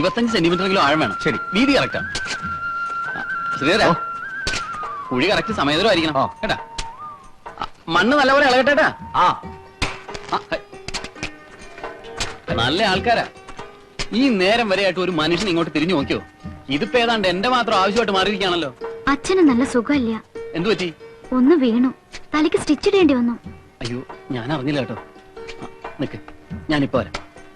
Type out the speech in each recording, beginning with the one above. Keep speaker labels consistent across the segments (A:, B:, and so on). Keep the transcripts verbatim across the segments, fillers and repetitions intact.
A: ഇരുപത്തഞ്ച് സെന്റിമീറ്ററെങ്കിലും ആഴം വേണം. ശരി, വീതി കറക്റ്റാ. ശ്രീധര, കുഴി കറക്റ്റ് സമയത്തിലായിരിക്കണം കേട്ടാ. മണ്ണ് നല്ലപോലെ ഇളകട്ടേട്ടാ. ആ നല്ല ആൾക്കാരാ. ഈ നേരം വരെയായിട്ട് ഒരു മനുഷ്യൻ ഇങ്ങോട്ട് തിരിഞ്ഞു നോക്കിയോ? ഇതിപ്പോ ഏതാണ്ട് എന്റെ മാത്രം ആവശ്യമായിട്ട് മാറിയിരിക്കുകയാണല്ലോ.
B: അച്ഛന് നല്ല സുഖമില്ല.
A: എന്തു പറ്റി?
B: ഒന്ന് വീണു, തലയ്ക്ക് സ്റ്റിച്ച് ഇടേണ്ടി വന്നു.
A: അയ്യോ, ഞാൻ അറിഞ്ഞില്ല കേട്ടോ. നിക്ക്, ഞാനിപ്പോ വരാം.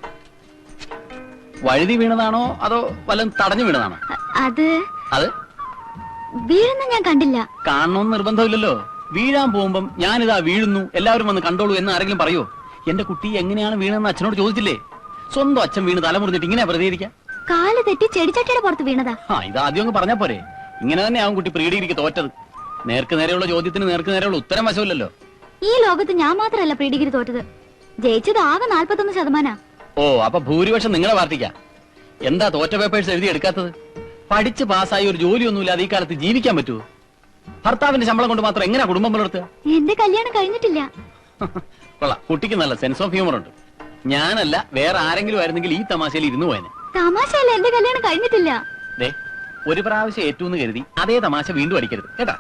A: വഴുതി വീണതാണോ അതോ വല്ലതും തടഞ്ഞു വീണതാണോ?
B: അത്
A: അത്
B: വീഴുന്ന ഞാൻ കണ്ടില്ല.
A: കാണണമെന്ന് നിർബന്ധമില്ലല്ലോ. വീഴാൻ പോകുമ്പം ഞാനിതാ വീഴുന്നു, എല്ലാവരും വന്ന് കണ്ടോളൂ എന്ന് ആരെങ്കിലും പറയോ? എന്റെ കുട്ടി എങ്ങനെയാണ് വീണെന്ന് അച്ഛനോട് ചോദിച്ചില്ലേ? സ്വന്തം അച്ഛൻ വീണ് തലമുറിഞ്ഞിട്ട് ഇങ്ങനെ പ്രതികരിക്കാം?
B: കാല് തെറ്റി ചെടിച്ചട്ടിയുടെ പുറത്ത് വീണതാ.
A: ആ, ഇത് ആദ്യം അങ്ങ് പറഞ്ഞാ പോരെ. ഇങ്ങനെ തന്നെ ആവും കുട്ടി പ്രീ ഡിഗ്രിക്ക് തോറ്റത്. നേർക്ക് നേരെയുള്ള ചോദ്യത്തിന് നേർക്ക് നേരെയുള്ള ഉത്തരം വശമില്ലല്ലോ.
B: ഈ ലോകത്ത് ഞാൻ മാത്രമല്ല പ്രീ ഡിഗ്രി തോറ്റത്. ജയിച്ചത് ആകെ നാല്പത്തൊന്ന് ശതമാനാ. ഓ,
A: അപ്പൊ ഭൂരിപക്ഷം നിങ്ങളെ പാർട്ടിക്കാ. എന്താ തോറ്റ പേപ്പേഴ്സ് എഴുതി എടുക്കാത്തത്? പഠിച്ച് പാസ്സായി ഒരു ജോലിയൊന്നുമില്ലാതെ ഈ കാലത്ത് ജീവിക്കാൻ പറ്റുമോ? ഭർത്താവിന്റെ ശമ്പളം കൊണ്ട് മാത്രം എങ്ങനെയാ കുടുംബം പുലർത്തുക?
B: എന്റെ കല്യാണം കഴിഞ്ഞിട്ടില്ല.
A: കൊള്ളാം, കുട്ടിക്ക് നല്ല സെൻസ് ഓഫ് ഹ്യൂമർ ഉണ്ട്. ഞാനല്ല വേറെ ആരെങ്കിലും ആയിരുന്നെങ്കിൽ ഈ തമാശയിൽ ഇരുന്നു പോയനെ.
B: തമാശയല്ല, എന്റെ കല്യാണം കഴിഞ്ഞിട്ടില്ല.
A: ദേ, ഒരു പ്രാവശ്യം ഏറ്റൂന്ന് കരുതി അതേ തമാശ വീണ്ടും അടിക്കരുത് കേട്ടാ.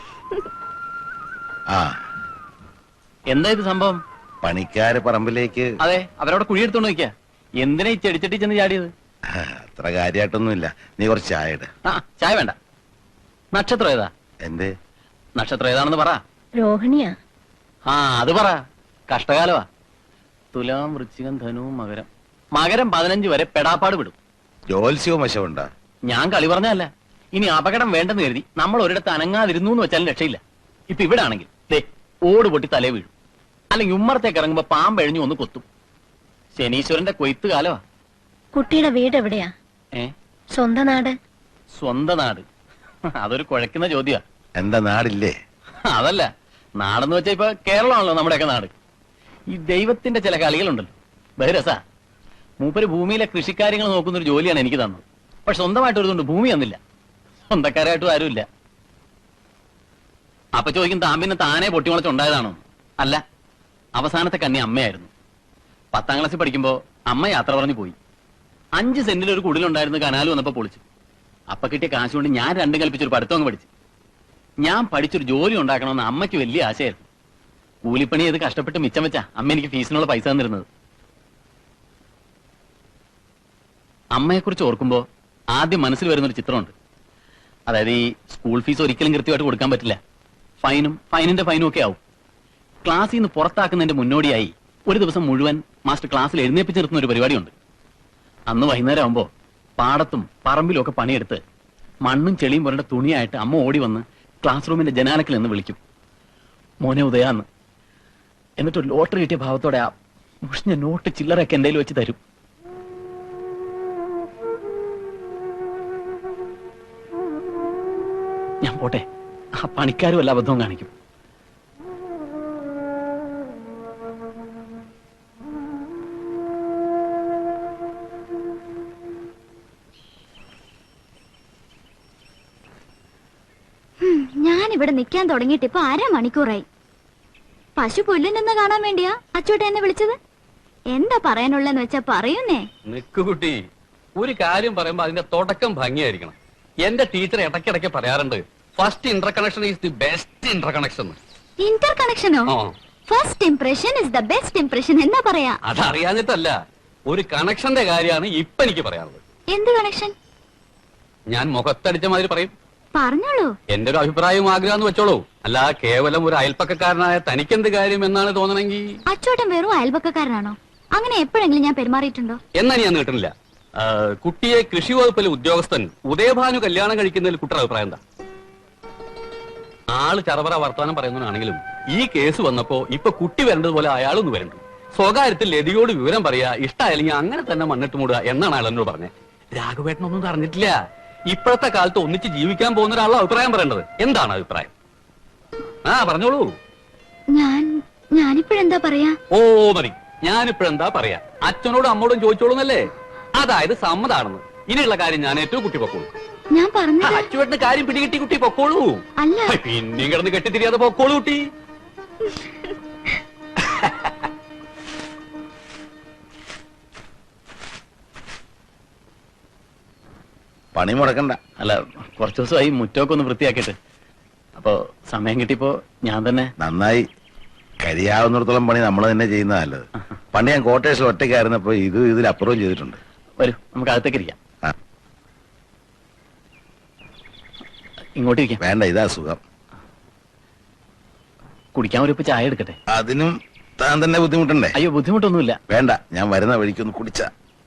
A: എന്താ ഇത് സംഭവം?
C: പണിക്കാര് പറമ്പിലേക്ക്.
A: അതെ, അവരവിടെ കുഴിയെടുത്തോണ്ട് നിൽക്കാ. എന്തിനാ ഈ ചെടിച്ചട്ടി ചെന്ന് ചാടിയത്?
C: അത്ര കാര്യമായിട്ടൊന്നുമില്ല. നീ കുറച്ച് ചായ ഇട്.
A: ആ, ചായ വേണ്ട. നക്ഷത്രം ഏതാ?
C: എന്തേ
A: നക്ഷത്രം ഏതാണെന്ന് പറ.
B: രോഹിണിയാ.
A: ആ, അത് പറ. കഷ്ടകാലവാ. തുലാം, വൃശ്ചികം, ധനു, മകരം. മകരം പതിനഞ്ച് വരെ പെടാപ്പാട് വിടും.
C: ജോത്സ്യവും വശമുണ്ടാ?
A: ഞാൻ കളി പറഞ്ഞല്ല. ഇനി അപകടം വേണ്ടെന്ന് കരുതി നമ്മൾ ഒരിടത്ത് അനങ്ങാതിരുന്നു എന്ന് വെച്ചാലും രക്ഷയില്ല. ഇപ്പൊ ഇവിടെ ആണെങ്കിൽ ദേ ഓട് പൊട്ടി തലേ വീഴും, അല്ലെങ്കിൽ ഉമ്മറത്തേക്ക് ഇറങ്ങുമ്പോ പാമ്പെഴിഞ്ഞു ഒന്ന് കൊത്തും. ശനീശ്വരന്റെ കൊയ്ത്ത് കാലവാ.
B: കുട്ടിയുടെ വീട് എവിടെയാ?
A: ഏ,
B: സ്വന്തം നാട്?
A: സ്വന്തം നാട് അതൊരു കുഴക്കുന്ന ചോദ്യാ.
C: എന്താ നാടില്ലേ?
A: അതല്ല, നാടെന്ന് വെച്ചാ ഇപ്പൊ കേരളമാണല്ലോ നമ്മുടെയൊക്കെ നാട്. ഈ ദൈവത്തിന്റെ ചില കളികളുണ്ടല്ലോ, ബഹിരസ. മൂപ്പര് ഭൂമിയിലെ കൃഷിക്കാര്യങ്ങൾ നോക്കുന്ന ഒരു ജോലിയാണ് എനിക്ക് തന്നത്. പക്ഷെ സ്വന്തമായിട്ട് ഒരുതുണ്ട് ഭൂമി തന്നില്ല, സ്വന്തക്കാരായിട്ടും ആരുമില്ല. അപ്പൊ ചോദിക്കും, താൻ പിന്നെ താനെ പൊട്ടിമുളച്ചുണ്ടായതാണോ? അല്ല, അവസാനത്തെ കന്നി അമ്മയായിരുന്നു. പത്താം ക്ലാസ്സിൽ പഠിക്കുമ്പോ അമ്മ യാത്ര പറഞ്ഞു പോയി. അഞ്ച് സെന്റിൽ ഒരു കുടിലുണ്ടായിരുന്നു, കനാല് വന്നപ്പോ പൊളിച്ചു. അപ്പൊ കിട്ടിയ കാശ് കൊണ്ട് ഞാൻ രണ്ടും കൽപ്പിച്ചൊരു പഠിത്തം അങ്ങ് പഠിച്ചു. ഞാൻ പഠിച്ചൊരു ജോലി ഉണ്ടാക്കണമെന്ന് അമ്മയ്ക്ക് വലിയ ആശയായിരുന്നു. കൂലിപ്പണി ചെയ്ത് കഷ്ടപ്പെട്ട് മിച്ചം വെച്ചാ അമ്മ എനിക്ക് ഫീസിനുള്ള പൈസ തന്നിരുന്നത്. അമ്മയെക്കുറിച്ച് ഓർക്കുമ്പോ ആദ്യം മനസ്സിൽ വരുന്നൊരു ചിത്രമുണ്ട്. അതായത് ഈ സ്കൂൾ ഫീസ് ഒരിക്കലും കൃത്യമായിട്ട് കൊടുക്കാൻ പറ്റില്ല. ഫൈനും ഫൈനിന്റെ ഫൈനും ഒക്കെ ആവും. ക്ലാസ്സിൽ നിന്ന് പുറത്താക്കുന്നതിന്റെ മുന്നോടിയായി ഒരു ദിവസം മുഴുവൻ മാസ്റ്റർ ക്ലാസ്സിൽ എഴുന്നേപ്പിച്ച് നിർത്തുന്ന ഒരു പരിപാടിയുണ്ട്. അന്ന് വൈകുന്നേരം ആകുമ്പോ പാടത്തും പറമ്പിലും ഒക്കെ പണിയെടുത്ത് മണ്ണും ചെളിയും പുരണ്ട തുണിയായിട്ട് അമ്മ ഓടി വന്ന് ക്ലാസ് റൂമിന്റെ ജനാലക്കിൽ നിന്ന് വിളിക്കും, മോനെ ഉദയാന്ന്. എന്നിട്ട് ലോട്ടറി കിട്ടിയ ഭാവത്തോടെ ആ മുഷിഞ്ഞ നോട്ട് ചില്ലറൊക്കെ എന്റെ വെച്ച് തരും. ഞാൻ പോട്ടെ, ആ പണിക്കാരും വല്ല അബദ്ധവും കാണിക്കും.
B: ഞാനിവിടെ നിൽക്കാൻ തുടങ്ങിയിട്ട് ഇപ്പൊ അരമണിക്കൂറായി. പശു പുല്ലിനെന്ന് കാണാൻ വേണ്ടിയാ അച്ചോട്ടെ എന്നെ വിളിച്ചത്? എന്താ പറയാനുള്ളെന്ന് വെച്ചാ പറയുന്നേ.
D: നിക്കുകുട്ടി, ഒരു കാര്യം പറയുമ്പോ അതിന്റെ തുടക്കം ഭംഗിയായിരിക്കണം. എന്റെ ടീച്ചർ ഇടയ്ക്കിടയ്ക്ക് പറയാറുണ്ട്, first interconnection is the best interconnection.
B: ഇന്റർ കണക്ഷനോ? First impression is the best impression എന്നാ പറയാ.
D: അതറിയാഞ്ഞിട്ടല്ല, ഒരു കണക്ഷന്റെ കാര്യമാണ് ഇപ്പൊ എനിക്ക് പറയാനുള്ളത്.
B: എന്ത് കണക്ഷൻ?
D: ഞാൻ മുഖത്തടിച്ച മാതിരി പറയും.
B: പറഞ്ഞോളൂ.
D: എന്റെ ഒരു അഭിപ്രായവും ആഗ്രഹം എന്ന് വെച്ചോളൂ. അല്ല, കേവലം ഒരു അയൽപ്പക്കക്കാരനായ തനിക്കെന്ത് കാര്യം എന്നാണ് തോന്നണമെങ്കിൽ.
B: അച്ചോട്ടൻ വെറും അയൽപക്കക്കാരനാണോ? അങ്ങനെ എപ്പോഴെങ്കിലും ഞാൻ പെരുമാറിയിട്ടുണ്ടോ?
D: എന്നാ ഞാൻ നീട്ടുന്നില്ല. കുട്ടിയെ കൃഷി വകുപ്പിലെ ഉദ്യോഗസ്ഥൻ ഉദയഭാനു കല്യാണം കഴിക്കുന്നതിൽ കുട്ടിയുടെ അഭിപ്രായം എന്താ? ആള് ചറപറ വർത്തമാനം പറയുന്നതാണെങ്കിലും ഈ കേസ് വന്നപ്പോ ഇപ്പൊ കുട്ടി വരേണ്ടതുപോലെ അയാളൊന്ന് വരണ്ടു. സ്വകാര്യത്തിൽ ലതിയോട് വിവരം പറയാ, ഇഷ്ടമായില്ലെങ്കിൽ അങ്ങനെ തന്നെ മണ്ണിട്ട് മൂടുക എന്നാണ് അയാൾ എന്നോട് പറഞ്ഞത്. രാഘവേട്ടനൊന്നും പറഞ്ഞിട്ടില്ല. ഇപ്പോഴത്തെ കാലത്ത് ഒന്നിച്ച് ജീവിക്കാൻ പോകുന്ന ഒരാളുടെ അഭിപ്രായം പറയേണ്ടത്. എന്താണ് അഭിപ്രായം? ആ പറഞ്ഞോളൂ.
B: ഞാൻ ഞാനിപ്പോഴെന്താ പറയാ?
D: ഓ മതി, ഞാനിപ്പോഴെന്താ പറയാ? അച്ഛനോടും അമ്മോടും ചോദിച്ചോളൂന്നല്ലേ? അതായത് സമ്മതാണെന്ന്. ഇനിയുള്ള കാര്യം ഞാൻ ഏറ്റവും കുട്ടി പൊക്കോളൂ.
B: ഞാൻ പറഞ്ഞു.
D: അച്ചുവേട്ടന് കാര്യം പിടികിട്ടി കുട്ടി പൊക്കോളൂ.
B: അല്ല,
D: പിന്നെയും കിടന്ന് കെട്ടിത്തിരിയാതെ പൊക്കോളൂ കുട്ടി.
C: പണി മുടക്കണ്ട.
A: അല്ല, കുറച്ചു ദിവസമായി മുറ്റമൊക്കെ ഒന്ന് വൃത്തിയാക്കിയിട്ട്. അപ്പോ സമയം കിട്ടിയപ്പോ ഞാൻ തന്നെ.
C: നന്നായി. കഴിയാവുന്നിടത്തോളം പണി നമ്മൾ തന്നെ ചെയ്യുന്ന നല്ലത്. പണ്ട് ഞാൻ കോട്ടേഴ്സിൽ ഒറ്റയ്ക്കായിരുന്നപ്പോ ഇത് ഇതിലപ്പുറവും ചെയ്തിട്ടുണ്ട്.
A: വരൂ, നമുക്ക് അകത്തേക്ക് ഇരിക്കാം.
C: ആ.
A: ഇങ്ങോട്ട് ഇരിക്കാം.
C: വേണ്ട, ഇതാ സുഖം.
A: കുടിക്കാൻ ഒരു ഇപ്പൊ ചായ എടുക്കട്ടെ?
C: അതിനും താൻ തന്നെ ബുദ്ധിമുട്ടുണ്ടേ?
A: അയ്യോ, ബുദ്ധിമുട്ടൊന്നുമില്ല.
C: വേണ്ട, ഞാൻ വരുന്ന വഴിക്കൊന്ന് കുടിച്ച.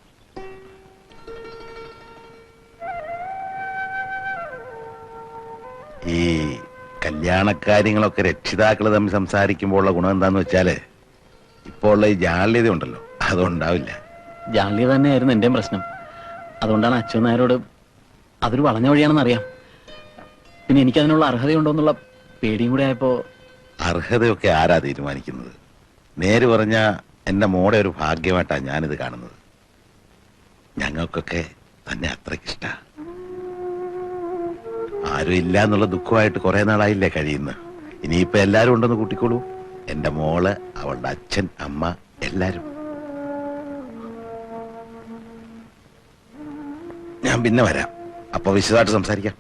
C: ഈ കല്യാണക്കാര്യങ്ങളൊക്കെ രക്ഷിതാക്കൾ തമ്മിൽ സംസാരിക്കുമ്പോൾ ഉള്ള ഗുണം എന്താന്ന് വെച്ചാല് ഇപ്പോൾ ഉള്ള ഈ ജാള്യത ഉണ്ടല്ലോ, അതുണ്ടാവില്ല.
A: ജാള്യ തന്നെയായിരുന്നു എന്റെയും പ്രശ്നം. അതുകൊണ്ടാണ് അച്ഛൻ നായരോട് അതൊരു വളഞ്ഞ വഴിയാണെന്ന് അറിയാം. പിന്നെ എനിക്കതിനുള്ള അർഹതയുണ്ടോ എന്നുള്ള പേടിയും കൂടെ ആയപ്പോ.
C: അർഹതയൊക്കെ ആരാ തീരുമാനിക്കുന്നത്? നേര് പറഞ്ഞ എന്റെ മോടെ ഒരു ഭാഗ്യമായിട്ടാണ് ഞാനിത് കാണുന്നത്. ഞങ്ങൾക്കൊക്കെ തന്നെ അത്രയ്ക്കിഷ്ട. ആരും ഇല്ല എന്നുള്ള ദുഃഖമായിട്ട് കുറെ നാളായില്ലേ കഴിയുന്ന. ഇനിയിപ്പോ എല്ലാരും ഉണ്ടെന്ന് കൂട്ടിക്കോളൂ. എന്റെ മോള്, അവളുടെ അച്ഛൻ, അമ്മ, എല്ലാരും. ഞാൻ പിന്നെ വരാം. അപ്പൊ വിശദമായിട്ട് സംസാരിക്കാം.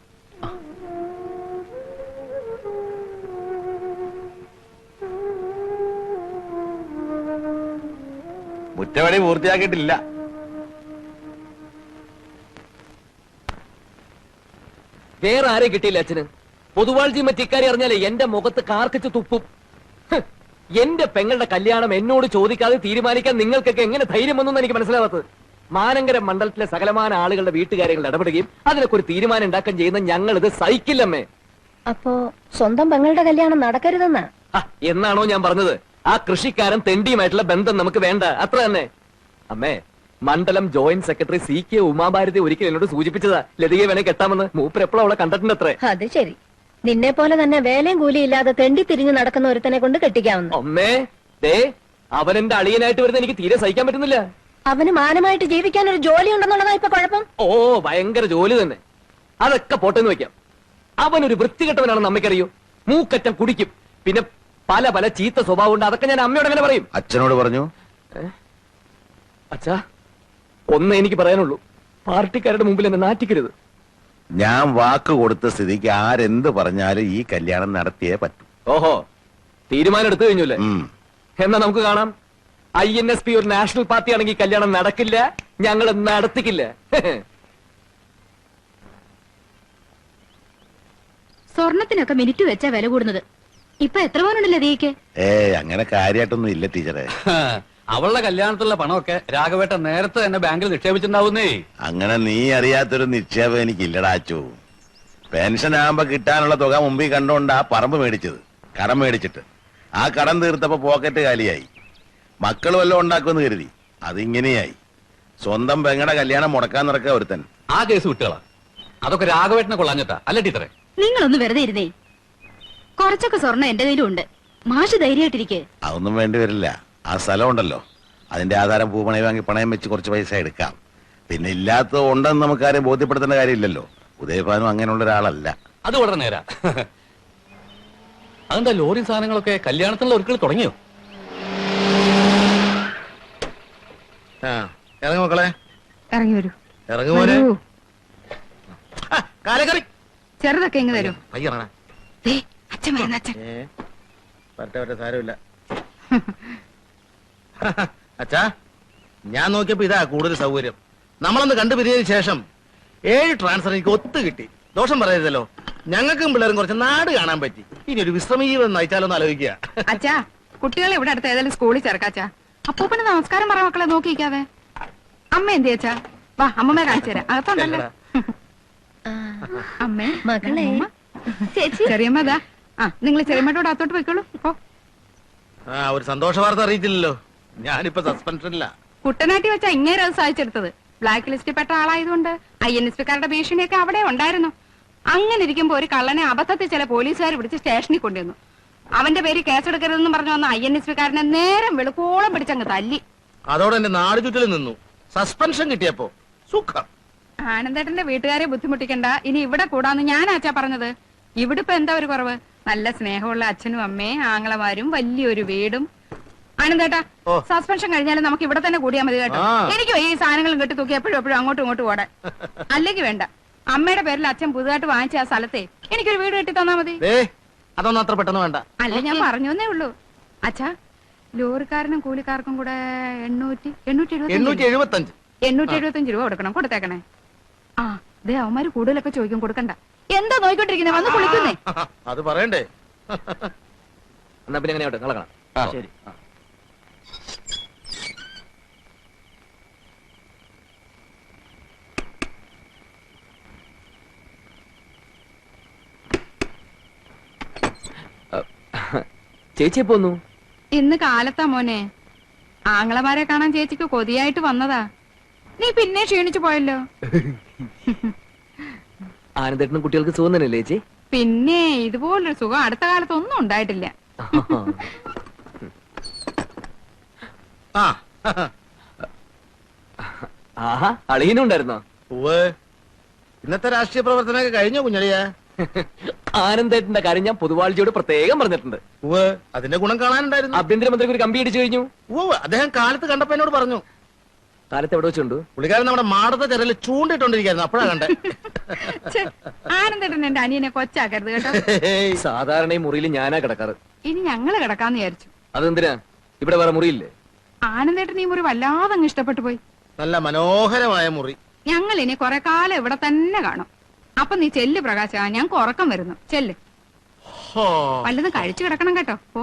C: മുറ്റവടി പൂർത്തിയാക്കിയിട്ടില്ല.
E: വേറെ ആരെയും കിട്ടിയില്ല അച്ഛന്. പൊതുവാൾജി മറ്റിക്കാരി അറിഞ്ഞാലേ എന്റെ മുഖത്ത് കാർക്കിച്ച് തുപ്പും. ഹ്, എന്റെ പെങ്ങളുടെ കല്യാണം എന്നോട് ചോദിക്കാതെ തീരുമാനിക്കാൻ നിങ്ങൾക്കൊക്കെ എങ്ങനെ ധൈര്യം വന്നു എനിക്ക് മനസ്സിലാവാത്തത്. മാനങ്കര മണ്ഡലത്തിലെ സകലമാന ആളുകളുടെ വീട്ടുകാര്യങ്ങൾ ഇടപെടുകയും അതിനൊക്കെ ഒരു തീരുമാനം ഉണ്ടാക്കാൻ ചെയ്യുന്ന ഞങ്ങൾ ഇത് സഹിക്കില്ലമ്മേ.
F: അപ്പോ സ്വന്തം പെങ്ങളുടെ കല്യാണം നടക്കരുതെന്നാ?
E: ആ, എന്നാണോ ഞാൻ പറഞ്ഞത്? ആ കൃഷിക്കാരൻ തെണ്ടിയുമായിട്ടുള്ള ബന്ധം നമുക്ക് വേണ്ട, അത്ര തന്നെ. അമ്മേ, മണ്ഡലം joint secretary C K Umabharati ഒരിക്കൽ എന്നോട് സൂചിപ്പിച്ചതാ ലതികയെ വേണേ കെട്ടാമെന്ന്. മൂപ്പർ എപ്പോഴും അവളെ കണ്ടിട്ടുണ്ട് അത്രേ.
F: അത് ശരി. നിന്നെ പോലെ തന്നെ വേലയും കൂലിയില്ലാതെ തെണ്ടി തിരിഞ്ഞു നടക്കുന്ന ഒരുത്തനെ കൊണ്ട് കെട്ടിക്കാവുന്നു.
E: അമ്മേ, ദേ അവൻ എന്റെ അളിയനായിട്ട് വരുന്ന എനിക്ക് തീരെ സഹിക്കാൻ പറ്റുന്നില്ല.
F: അവന് മാനമായിട്ട് ജീവിക്കാൻ ഒരു ജോലി ഉണ്ടെന്നുള്ളതാ ഇപ്പൊ കുഴപ്പം.
E: ഓ, ഭയങ്കര ജോലി തന്നെ. അതൊക്കെ പോട്ടെന്ന് വെക്കാം. അവനൊരു വൃത്തികെട്ടവനാണെന്ന് അമ്മയ്ക്കറിയോ? മൂക്കറ്റം കുടിക്കും, പിന്നെ പല പല ചീത്ത സ്വഭാവം ഉണ്ട്. അതൊക്കെ ഞാൻ അമ്മയോട് എങ്ങനെ പറയും?
C: അച്ഛനോട് പറഞ്ഞു.
E: അച്ഛാ, ഒന്നേ എനിക്ക് പറയാനുള്ളൂ, പാർട്ടിക്കാരുടെ മുമ്പിൽ എന്നെ നാറ്റിക്കരുത്.
C: ഞാൻ വാക്ക് കൊടുത്ത സ്ഥിതിക്ക് ആരെന്ത് പറഞ്ഞാലും ഈ കല്യാണം നടത്തിയേ പറ്റൂ.
E: ഓഹോ, തീരുമാനം എടുത്തു കഴിഞ്ഞല്ലേ?
C: ഉം.
E: എന്നാ നമുക്ക് കാണാം. ഐ എൻ എസ് പി ഒരു നാഷണൽ പാർട്ടി ആണെങ്കിൽ കല്യാണം നടക്കില്ല, ഞങ്ങൾ നടത്തിക്കില്ല.
B: സ്വർണത്തിനൊക്കെ മിനിറ്റ് വെച്ചാ വില കൂടുന്നത്. ഇപ്പൊ എത്ര പവനുണ്ടല്ലോ ദീക്ക്?
C: ഏ അങ്ങനെ കാര്യമായിട്ടൊന്നും ഇല്ല ടീച്ചറെ.
D: അവളുടെ കല്യാണത്തിലുള്ള പണമൊക്കെ രാഘവേട്ടൻ നേരത്തെ തന്നെ ബാങ്കിൽ നിക്ഷേപിച്ചിട്ടുണ്ടാവുന്നേ.
C: അങ്ങനെ നീ അറിയാത്തൊരു നിക്ഷേപം എനിക്കില്ലടാച്ചു. പെൻഷൻ ആകുമ്പോ കിട്ടാനുള്ള തുക മുമ്പിൽ കണ്ടോണ്ടാ പറമ്പ് മേടിച്ചത്, കടം മേടിച്ചിട്ട്. ആ കടം തീർത്തപ്പോ പോക്കറ്റ് കാലിയായി. മക്കൾ വല്ലതും ഉണ്ടാക്കുമെന്ന് കരുതി, അതിങ്ങനെയായി. സ്വന്തം പെങ്ങടെ കല്യാണം മുടക്കാൻ നടക്കുക ഒരുത്തൻ.
D: ആ കേസ് വിട്ടുകളാ. അതൊക്കെ രാഘവേട്ടനെ കൊള്ളാഞ്ഞിട്ടാ അല്ല ടീച്ചറെ?
B: നിങ്ങളൊന്ന് വെറുതെ ഇരുന്നേ. കുറച്ചൊക്കെ സ്വർണ്ണം എന്റെ കയ്യിലും ഉണ്ട്. മാഷ് ധൈര്യമായിട്ടിരിക്കെ.
C: അതൊന്നും വേണ്ടി വരില്ല. ആ സ്ഥലം ഉണ്ടല്ലോ, അതിന്റെ ആധാരം പൂപ്പണയം വാങ്ങി പണയം വെച്ച് കുറച്ച് പൈസ എടുക്കാം. പിന്നെ ഇല്ലാത്തത് ഉണ്ടെന്ന് നമുക്കാരെയും ബോധ്യപ്പെടുത്തേണ്ട കാര്യമില്ലല്ലോ. ഉദയഭാനും അങ്ങനെയുള്ള ഒരാളല്ല.
D: അത് വളരെ നേരാ. അതെന്താ ലോറി സാധനങ്ങളൊക്കെ കല്യാണത്തിനുള്ള ഒരുക്കൾ തുടങ്ങിയോ?
C: ഇറങ്ങി മക്കളെ,
G: ഇറങ്ങി വരൂ.
C: ഇറങ്ങി മോനെ.
G: വരൂ.
C: കാലക്കറി
G: ചെറുതൊക്കെ ഇങ്ങ് തരൂ.
C: പയ്യറണ.
G: ദേ, അച്ഛൻ വരുന്ന അച്ഛൻ.
C: വരട്ടെ വരട്ടെ, സാരമില്ല. അച്ഛാ, ഞാൻ നോക്കിയപ്പോ ഇതാ കൂടുതൽ സൗകര്യം. നമ്മളൊന്ന് കണ്ടുപിരിഞ്ഞതിന് ശേഷം ഏഴ് ട്രാൻസ്ഫർ എനിക്ക് ഒത്തു കിട്ടി. ദോഷം പറയരുതല്ലോ. ഞങ്ങൾക്കും പിള്ളേരും കുറച്ച് നാട് കാണാൻ പറ്റി. ഇനി ഒരു വിശ്രമ ജീവിതം നയിച്ചാലോ എന്ന് ആലോചിക്കുക.
G: അച്ഛാ, കുട്ടികളെ ഇവിടെ അടുത്ത് ഏതായാലും സ്കൂളിൽ ചേർക്കാച്ചാ. അപ്പൂപ്പന് നമസ്കാരം പറ മക്കളെ നോക്കിക്കാതെ. അമ്മ എന്ത് ചേച്ചാ? വാ, അമ്മമ്മ കാണിച്ചു തരാം. അകത്തുണ്ടല്ലോ. അമ്മേ,
F: മകളെ.
G: അമ്മൂമ്മ.
B: ചേച്ചി,
G: ചെറിയമ്മ ഇതാ. ആ, നിങ്ങൾ ചെറിയമ്മയോട് അകത്തോട്ട് പോയിക്കോളൂ. ഇപ്പോ
C: ആ ഒരു സന്തോഷ വാർത്ത അറിയിച്ചില്ലല്ലോ. ഞാനിപ്പോ സസ്പെൻഷനില്ല.
G: കുട്ടനാട്ടി വെച്ചാ ഇങ്ങേരെ അത് സാധിച്ചെടുത്തത്. ബ്ലാക്ക് ലിസ്റ്റിൽ പെട്ട ആളായതുകൊണ്ട് ഐ എൻ എസ് പിക്കാരുടെ ഭീഷണിയൊക്കെ അവിടെ ഉണ്ടായിരുന്നു. അങ്ങനെ ഇരിക്കുമ്പോ ഒരു കള്ളനെ അബദ്ധത്തിൽ ചില പോലീസുകാർ പിടിച്ച് സ്റ്റേഷനിൽ കൊണ്ടുവന്നു. അവന്റെ പേര് കേസെടുക്കരുതെന്ന് പറഞ്ഞു വന്ന ഐ എൻ എസ് പിക്കാരനെ നേരം വെളുക്കോളം പിടിച്ചങ്ങ് തല്ലി.
C: അതോടെ എന്റെ നാട് ചുറ്റിൽ നിന്നു. സസ്പെൻഷൻ കിട്ടിയപ്പോ സുഖം.
G: ആനന്ദേട്ടന്റെ വീട്ടുകാരെ ബുദ്ധിമുട്ടിക്കണ്ട, ഇനി ഇവിടെ കൂടാന്ന് ഞാൻ ആച്ചാ പറഞ്ഞത്. ഇവിടെ ഇപ്പൊ എന്താ ഒരു കുറവ്? നല്ല സ്നേഹമുള്ള അച്ഛനും അമ്മയും ആങ്ങളമാരും വലിയൊരു വീടും. ആനന്ദേട്ടാ, സസ്പെൻഷൻ കഴിഞ്ഞാലും നമുക്ക് ഇവിടെ തന്നെ കൂടിയാൽ മതി കേട്ടോ. എനിക്കും ഈ സാധനങ്ങളും കെട്ടി തൂക്കി എപ്പോഴും എപ്പോഴും അങ്ങോട്ടും ഇങ്ങോട്ടും ഓടാൻ. അല്ലെങ്കിൽ വേണ്ട, അമ്മയുടെ പേരിൽ അച്ഛൻ പുതുതായിട്ട് വാങ്ങിച്ച ആ സ്ഥലത്തെ എനിക്കൊരു വീട് കെട്ടി തന്നാ മതി.
H: അതൊന്നും അത്ര പെട്ടെന്ന് വേണ്ട.
G: അല്ല ഞാൻ പറഞ്ഞേ ഉള്ളൂ. അച്ഛാ, ലോറിക്കാരനും കൂലിക്കാർക്കും കൂടെ എണ്ണൂറ്റി എണ്ണൂറ്റി
H: എണ്ണൂറ്റി
G: എഴുപത്തി
H: എഴുപത്തി അഞ്ച്
G: എണ്ണൂറ്റി എഴുപത്തി അഞ്ച് രൂപ കൊടുക്കണം. കൊടുത്തേക്കണേ. ആ ദേ അവന്മാര് കൂടുതലൊക്കെ ചോദിക്കും, കൊടുക്കണ്ട. എന്താ നോയിക്കൊണ്ടിരിക്കുന്നത്? വന്ന് കുളിക്കുന്നേ.
H: അത് പറയണ്ടേ?
E: എന്നാ പിന്നെ എങ്ങനെയാവട്ടെ, നാളെ കാണാം.
H: ശരി.
E: ചേച്ചി പോന്നു.
G: ഇന്ന് കാലത്താ മോനെ. ആങ്ങളമാരെ കാണാൻ ചേച്ചിക്ക് കൊതിയായിട്ട് വന്നതാ. നീ പിന്നെ ക്ഷീണിച്ചു പോയല്ലോ.
E: ആനന്ദേട്ടനും കുട്ടികൾക്ക് സുഖം തന്നെയല്ലേ ചേച്ചി?
G: പിന്നെ ഇതുപോലൊരു സുഖം അടുത്ത കാലത്ത് ഒന്നും ഉണ്ടായിട്ടില്ല.
H: ആ
E: ആഹാ, അളിയനും ഉണ്ടായിരുന്നോ?
H: ഉവ്വ്. ഇന്നത്തെ രാഷ്ട്രീയ പ്രവർത്തനമൊക്കെ കഴിഞ്ഞോ കുഞ്ഞളിയ?
E: ആനന്ദേട്ടന്റെ കാര്യം ഞാൻ പൊതുവാഴ്ചയോട് പ്രത്യേകം പറഞ്ഞിട്ടുണ്ട്.
H: ഉവ്വ്. അതിന്റെ ഗുണം കാണാനുണ്ടായിരുന്നു.
E: ആഭ്യന്തരമന്ത്രിക്ക് ഒരു കമ്പി അടിച്ചു കഴിഞ്ഞു.
H: ഉവ്വ്. അദ്ദേഹം കാലത്ത് കണ്ടപ്പോ എന്നോട് പറഞ്ഞു.
E: കാലത്ത് എവിടെ വെച്ചുണ്ട്?
H: പുള്ളിക്കാരൻ നമ്മുടെ മാടത്തെ ചെറയിൽ ചൂണ്ടിട്ടോണ്ടിരിക്കായിരുന്നു. അപ്പോഴാ കണ്ടേ.
G: ഛെ, ആനന്ദേട്ടൻ എന്റെ അനിയനെ കൊച്ചാക്കരുത് കേട്ടോ.
E: സാധാരണ ഈ മുറിയിൽ ഞാനാ കിടക്കാറ്.
G: ഇനി ഞങ്ങള് കിടക്കാന്ന് വിചാരിച്ചു.
E: അതെന്തിനാ? ഇവിടെ വേറെ മുറിയില്ലേ?
G: ആനന്ദേട്ടൻ ഈ മുറി വല്ലാതെ അങ്ങ് ഇഷ്ടപ്പെട്ടു പോയി.
H: നല്ല മനോഹരമായ മുറി.
G: ഞങ്ങൾ ഇനി കുറെ കാലം ഇവിടെ തന്നെ കാണും. അപ്പൊ നീ ചെല്ല് പ്രകാശ, ഞങ്ങൾക്ക് ഉറക്കം വരുന്നു. ചെല്ല്.
H: ഹോ.
G: വല്ലതും കഴിച്ചു കിടക്കണം കേട്ടോ. പോ.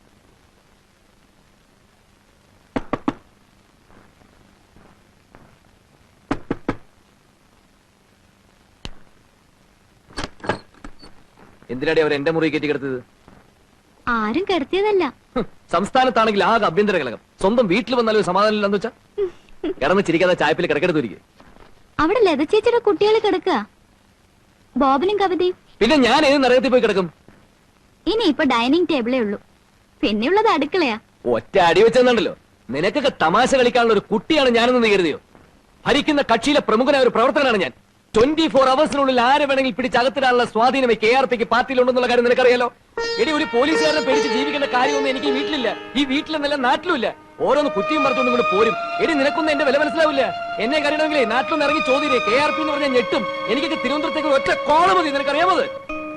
E: എന്തിനാടി അവർ എന്റെ മുറി കയറ്റി കിടത്തത്?
B: ആരും കെടുത്തിയതല്ല.
E: ഹും, സംസ്ഥാനത്താണെങ്കിൽ ആകെ ആഭ്യന്തര കലകം. സ്വന്തം വീട്ടിൽ വന്നാലും സമാധാനം ഇല്ലെന്ന് വെച്ചാ കിടന്ന് ചിരിക്കാതെ ചായപ്പിൽ കിടക്കെടുത്തിരിക്കും.
B: അവിടെ ലത ചേച്ചിയുടെ കുട്ടികൾ കിടക്കുക. ബോബനും കവിതയും.
E: പിന്നെ ഞാൻ ഏത് നരകത്തിൽ പോയി കിടക്കും?
B: ഇനി ഇപ്പൊ ഡൈനിങ് ടേബിളേ ഉള്ളൂ. പിന്നെയുള്ളത് അടുക്കളയാ.
E: ഒറ്റ അടി വെച്ചെന്നുണ്ടല്ലോ. നിനക്കൊക്കെ തമാശ കളിക്കാനുള്ള ഒരു കുട്ടിയാണ് ഞാനെന്ന് നീ കരുതിയോ? ഭരിക്കുന്ന കക്ഷിയിലെ പ്രമുഖനായ ഒരു പ്രവർത്തകനാണ് ഞാൻ. ട്വന്റി ഫോർ അവേഴ്സിനുള്ളിൽ ആരെ വേണമെങ്കിൽ പിടിച്ചകത്തിടാനുള്ള സ്വാധീനം കെ ആർ പിക്ക് പാർട്ടിയിലുണ്ടെന്നുള്ള കാര്യം നിനക്കറിയാലോ. എടി, ഒരു പോലീസുകാരനെ പേടിച്ച് ജീവിക്കേണ്ട കാര്യമൊന്നും എനിക്ക് ഈ വീട്ടിലില്ല. ഈ വീട്ടിലെന്നല്ല നാട്ടിലുമില്ല. ഓരോന്ന് കുറ്റിയും പറിച്ചുകൊണ്ട് ഇങ്ങോട്ട് പോരും. എടി, നിനക്കൊന്നും എന്റെ വില മനസ്സിലാവില്ല. എന്നെ കറിയണമെങ്കിലേ നാട്ടിലൊന്ന് ഇറങ്ങി ചോദ്യേ. കെ ആർ പി എന്ന് പറഞ്ഞാൽ ഞെട്ടും. എനിക്കൊക്കെ തിരുവനന്തപുരത്തേക്ക് ഒറ്റ കോള മതി. നിനക്കറിയാമത്?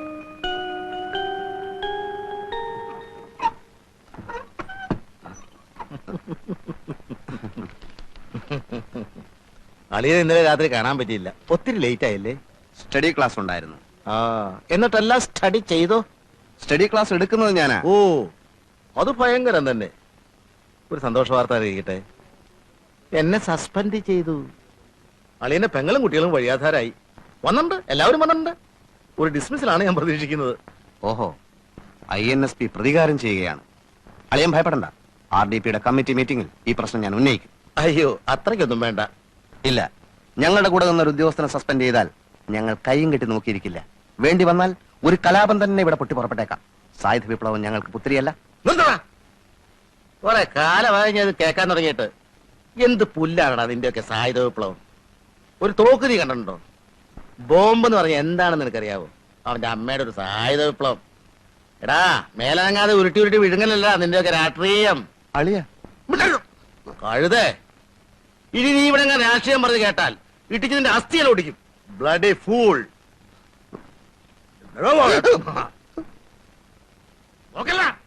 H: അളിയെ ഇന്നലെ രാത്രി കാണാൻ പറ്റിയില്ല. ഒത്തിരി ലേറ്റ് ആയില്ലേ?
I: സ്റ്റഡി ക്ലാസ് ഉണ്ടായിരുന്നു.
H: ആ, എന്നിട്ടെല്ലാം സ്റ്റഡി ചെയ്തോ?
I: സ്റ്റഡി ക്ലാസ് എടുക്കുന്നത് ഞാനാ.
H: ഓ, അത് ഭയങ്കരം തന്നെ. ഒരു സന്തോഷ വാർത്ത അറിയിക്കട്ടെ. എന്നെ സസ്പെൻഡ് ചെയ്തു. അളിയന്റെ പെങ്ങളും കുട്ടികളും വഴിയാധാരായി. വന്നിട്ടുണ്ട്, എല്ലാവരും വന്നിട്ടുണ്ട്. ഒരു ഡിസ്മിസിലാണ് ഞാൻ പ്രതീക്ഷിക്കുന്നത്.
I: ഓഹോ, ഐ എൻ എസ് പി പ്രതികാരം ചെയ്യുകയാണ്. അളിയൻ ഭയപ്പെടണ്ട. ആർ ഡി പിയുടെ കമ്മിറ്റി മീറ്റിംഗിൽ ഈ പ്രശ്നം ഞാൻ ഉന്നയിക്കും.
H: അയ്യോ, അത്രയ്ക്കൊന്നും വേണ്ട.
I: ഇല്ല, ഞങ്ങളുടെ കൂടെ നിന്നൊരു ഉദ്യോഗസ്ഥനെ സസ്പെൻഡ് ചെയ്താൽ ഞങ്ങൾ കൈയും കെട്ടി നോക്കിയിരിക്കില്ല. വേണ്ടി വന്നാൽ ഒരു കലാപം തന്നെ ഇവിടെ പൊട്ടി പുറപ്പെട്ടേക്കാം. സായുധ വിപ്ലവം ഞങ്ങൾക്ക് പുത്തിരിയല്ല.
H: കുറെ കാലമായി ഞാൻ ഇത് കേൾക്കാൻ തുടങ്ങിയിട്ട്. എന്ത് പുല്ലാണടാ നിന്റെയൊക്കെ സായുധ വിപ്ലവം? ഒരു തോക്ക് നീ കണ്ടിട്ടുണ്ടോ? ബോംബ് എന്ന് പറഞ്ഞാൽ എന്താണെന്ന് നിനക്കറിയാവോ? അവന്റെ അമ്മയുടെ ഒരു സായുധ വിപ്ലവം. എടാ, മേലനങ്ങാതെ ഉരുട്ടി ഉരുട്ടി വിഴുങ്ങലല്ല നിന്റെയൊക്കെ രാഷ്ട്രീയം.
I: അളിയ
H: കഴുതേ, ഇനി നീ ഇവിടെ ഞാൻ രാഷ്ട്രീയം പറഞ്ഞ് കേട്ടാൽ ഇട്ടിച്ച് നിന്റെ അസ്ഥിയെല്ലാം ഓടിക്കും. Bloody fool. നോക്കല്ല